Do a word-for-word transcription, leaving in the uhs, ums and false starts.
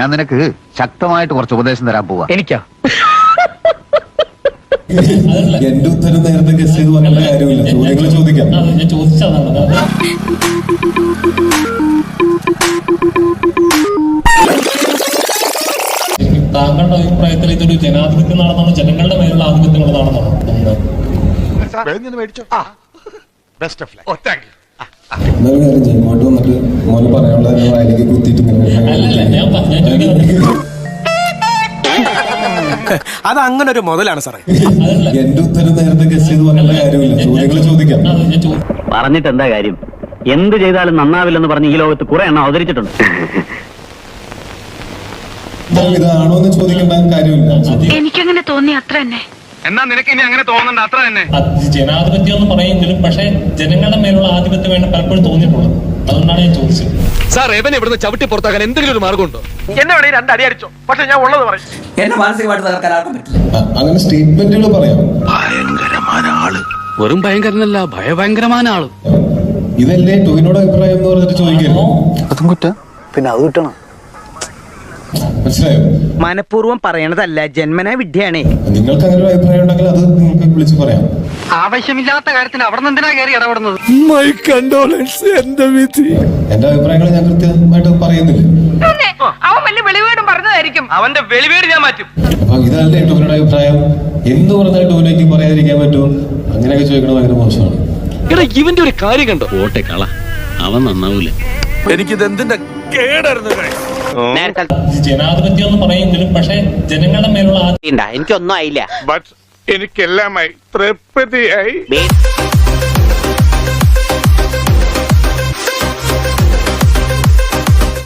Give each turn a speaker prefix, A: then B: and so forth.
A: ഞാൻ നിനക്ക് ശക്തമായിട്ട് കുറച്ച് ഉപദേശം തരാൻ പോവാ.
B: എനിക്കാ
C: എന്റെ ഉത്തരം നേരത്തെ ഗസ് ചെയ്ത് പറയേണ്ട കാര്യമില്ല. ചോദ്യങ്ങൾ ചോദിക്കാം.
D: ഞാൻ ചോദിച്ചതാണ്. താങ്കളുടെ അഭിപ്രായത്തിൽ ഇതൊരു ജനാധിപത്യം നടന്നാണോ ജനങ്ങളുടെ മേലുള്ള ആധിപത്യം ഉള്ളതാണെന്നോ?
C: എന്നാലും കാര്യം ചെയ്യും. ഇങ്ങോട്ട് വന്നിട്ട് മോനെ പറയാനുള്ള വായിലേക്ക് കുത്തിയിട്ട്
D: അല്ലല്ല, ഞാൻ ഞാൻ ചോദിക്കുന്നത്
B: അത് അങ്ങനെ ഒരു മുതലാണ് സാറേ.
C: എന്റെ ഉത്തരം നേരത്തെ ഗസ് ചെയ്ത് പറയേണ്ട കാര്യമില്ല. ചോദ്യങ്ങൾ ചോദിക്കാം.
E: പറഞ്ഞിട്ട് എന്താ കാര്യം? എന്ത് ചെയ്താലും നന്നാവില്ലെന്ന് പറഞ്ഞ് ഈ ലോകത്ത് കുറെ എണ്ണം അവതരിച്ചിട്ടുണ്ട്.
C: ഇതാണോ എന്ന് ചോദിക്കേണ്ട കാര്യമില്ല.
F: എനിക്കങ്ങനെ തോന്നി അത്ര തന്നെ.
B: എന്നാ നിനക്ക് ഇനി അങ്ങനെ തോന്നണ്ട, അത്ര തന്നെ.
D: ജനാധിപത്യം എന്ന് പറയുമെങ്കിലും പക്ഷേ ജനങ്ങളുടെ മേലുള്ള ആധിപത്യം വേണം പലപ്പോഴും തോന്നിയിട്ടുള്ളത്. അതുകൊണ്ടാണ് ഞാൻ ചോദിച്ചത്.
B: സാർ എവനെ ഇവിടുന്ന് ചവിട്ടി പുറത്താക്കാൻ എന്തെങ്കിലും ഒരു മാർഗമുണ്ടോ? എന്നെ വേണേ രണ്ട് അടി അടിച്ചോ, പക്ഷെ ഞാൻ ഉള്ളത് പറയും.
G: എന്നെ മാനസികമായിട്ട് തകർക്കാൻ ആർക്കും പറ്റില്ല.
C: അങ്ങനെ സ്റ്റേറ്റ്മെന്റുകൾ പറയാം.
A: ഭയങ്കരമായ ആള്.
B: വെറും ഭയങ്കരനല്ല, ഭയഭയങ്കരമായ ആള്.
C: ഇതല്ലേ ടോവിനോട് അഭിപ്രായം എന്ന് പറഞ്ഞിട്ട് ചോദിക്കരുത്.
A: അതും കുറ്റ പിന്നെ അത് കിട്ടണം.
C: മനസ്സിലായോ?
G: മനഃപൂർവ്വം പറയണതല്ല, ജന്മനാ വിദ്യയാണേ.
C: നിങ്ങൾക്ക് അങ്ങനെ ഒരു അഭിപ്രായം ഉണ്ടെങ്കിൽ അത് നിങ്ങൾക്ക് വിളിച്ച് പറയാം.
B: ആവശ്യമില്ലാത്ത കാര്യത്തിന് അവിടെ നിന്ന് എന്തിനാ കയറി ഇടപെടുന്നത്?
C: എന്റെ അഭിപ്രായങ്ങൾ ഞാൻ കൃത്യമായിട്ട് പറയുന്നില്ല.
F: അവൻ വലിയ വെളിവേടും പറഞ്ഞതായിരിക്കും.
B: അവന്റെ വെളിവേട് ഞാൻ മാറ്റും.
C: അപ്പൊ ഇതല്ലേ ടോവിനോട് അഭിപ്രായം എന്ന് പറഞ്ഞാൽ ടോവിനോയ്ക്ക് പറയാതിരിക്കാൻ പറ്റുമോ? അങ്ങനെയൊക്കെ ചോദിക്കണത് ഭയങ്കര മോശമാണ്.
B: ഇവന്റെ ഒരു കാര്യം കണ്ടോ?
E: ഓട്ടെ കള, അവൻ നന്നാവൂല.
B: എനിക്കിത് എന്തിന്റെ കേടായിരുന്നു.
D: ജനാധിപത്യം എന്ന് പറയുമെങ്കിലും പക്ഷേ ജനങ്ങളുടെ മേലുള്ള
G: എനിക്കൊന്നും ആയില്ല.
H: എനിക്കെല്ലാമായി തൃപ്തിയായി.